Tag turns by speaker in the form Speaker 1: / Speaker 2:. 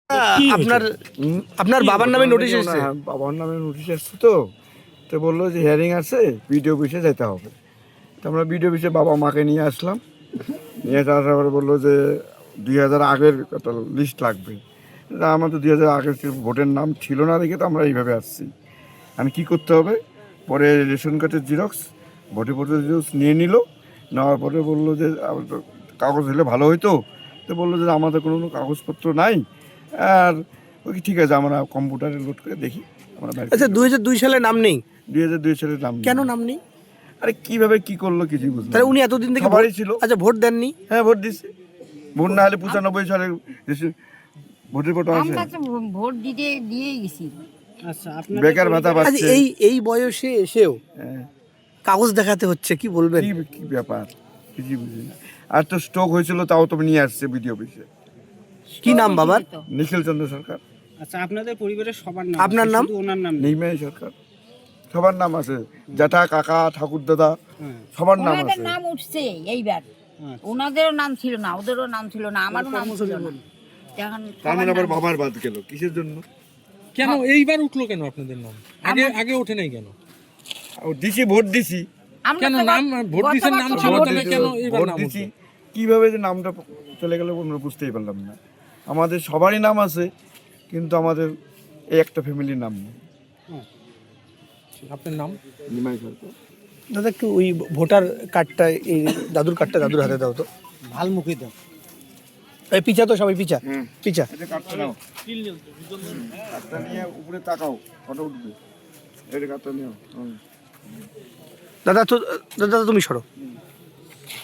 Speaker 1: আপনার আপনার বাবার নামে নোটিশ এসেছে?
Speaker 2: হ্যাঁ, বাবার নামে নোটিশ এসছে। তো তো বললো যে হিয়ারিং আছে, বিডিও অফিসে যেতে হবে। তো আমরা বিডিও অফিসে বাবা মাকে নিয়ে আসলাম। নিয়ে আসার পরে বললো যে 2000 আগের একটা লিস্ট লাগবে। তা আমার তো 2000 আগের ভোটের নাম ছিল না দেখে তো আমরা এইভাবে আসছি। আমি কী করতে হবে? পরে রেশন কার্ডের জিরক্স, ভোটের জিরক্স নিয়ে নিল। নেওয়ার পরে বললো যে কাগজ হলে ভালো হতো। তো বললো যে আমাদের কোনো কাগজপত্র নাই। আর ওই ঠিক আছে, আমরা কম্পিউটারে লোড করে দেখি। আমরা
Speaker 1: আচ্ছা, 2002 সালে নাম নেই?
Speaker 2: 2002 সালের নাম
Speaker 1: কেন
Speaker 2: নেই।
Speaker 1: নাম নেই?
Speaker 2: আরে কীভাবে কী করলো কিছু বুঝলাম
Speaker 1: তাহলে
Speaker 2: না।
Speaker 1: উনি এতদিন থেকে
Speaker 2: সবারই ছিল।
Speaker 1: আচ্ছা, ভোট দেননি?
Speaker 2: হ্যাঁ, ভোট দিচ্ছি। ভোট না হলে 95 সালের ভোটের ফটো আছে।
Speaker 3: আমরা তো ভোট দিয়েই গেছি।
Speaker 4: আচ্ছা,
Speaker 2: বেকার ভাতা
Speaker 1: আচ্ছা,
Speaker 2: পাচ্ছে।
Speaker 1: এই বয়সে এসেও
Speaker 2: হ্যাঁ,
Speaker 1: কাগজ দেখাতে হচ্ছে, কি বলবেন?
Speaker 2: কি ব্যাপার কিছু বুঝি না। আর তো স্ট্রোক হয়েছিল, তাও তো নিয়ে আসছে বিডিও অফিসে।
Speaker 1: কি নাম বাবার?
Speaker 2: নিখিল চন্দ্র সরকার।
Speaker 4: আচ্ছা, আপনাদের পরিবারের সবার নাম
Speaker 1: আপনার
Speaker 4: আছে,
Speaker 1: নাম?
Speaker 4: শুধু ওনার নাম নেই?
Speaker 2: নিমাই সরকার। সবার নাম আছে, জ্যাঠা, কাকা, ঠাকুর দাদা,
Speaker 4: হ্যাঁ।
Speaker 2: সবার নাম
Speaker 3: ওনাদের
Speaker 2: আছে।
Speaker 3: নাম উঠছে এইবার।
Speaker 4: আচ্ছা।
Speaker 3: ওনাদেরও নাম ছিল না, ওদেরও নাম ছিল না, আমারও নাম ছিল না। এখন
Speaker 2: তার মানে আবার বাবার বাদ গেল কিসের জন্য?
Speaker 5: কেন এইবার উঠলো কেন আপনাদের নাম? আগে ওঠে নাই কেন?
Speaker 2: ও দিছি, ভোট দিছি।
Speaker 3: আমরা
Speaker 5: কেন
Speaker 3: তো
Speaker 5: নাম ভোট দিছেন, নাম ছিল
Speaker 2: ভোট
Speaker 5: তাহলে
Speaker 2: দিছি,
Speaker 5: কেন এইবার
Speaker 2: ভোট
Speaker 5: নাম
Speaker 2: দিছি।
Speaker 5: উঠলো?
Speaker 2: কিভাবে যে নামটা চলে গেল আমরা বুঝতেই পারলাম না। আমাদের সবারই নাম আছে, কিন্তু আমাদের এই একটা ফ্যামিলির নাম নেই।
Speaker 5: আপনার নাম?
Speaker 2: নিমাই সরকার।
Speaker 1: দাদা, একটু ওই ভোটার কার্ডটা, এই দাদুর কার্ডটা দাদুর হাতে দাও তো।
Speaker 4: ভালমুখী দাও।
Speaker 1: এই পিছা তো, সবাই পিছা পিছা।
Speaker 2: এটা কাটতে নাও, কাটটা নিয়ে উপরে তাকাও, ফটো উঠবে। এটা কাটটা নিও।
Speaker 1: দাদা তো, দাদা তুমি সরো।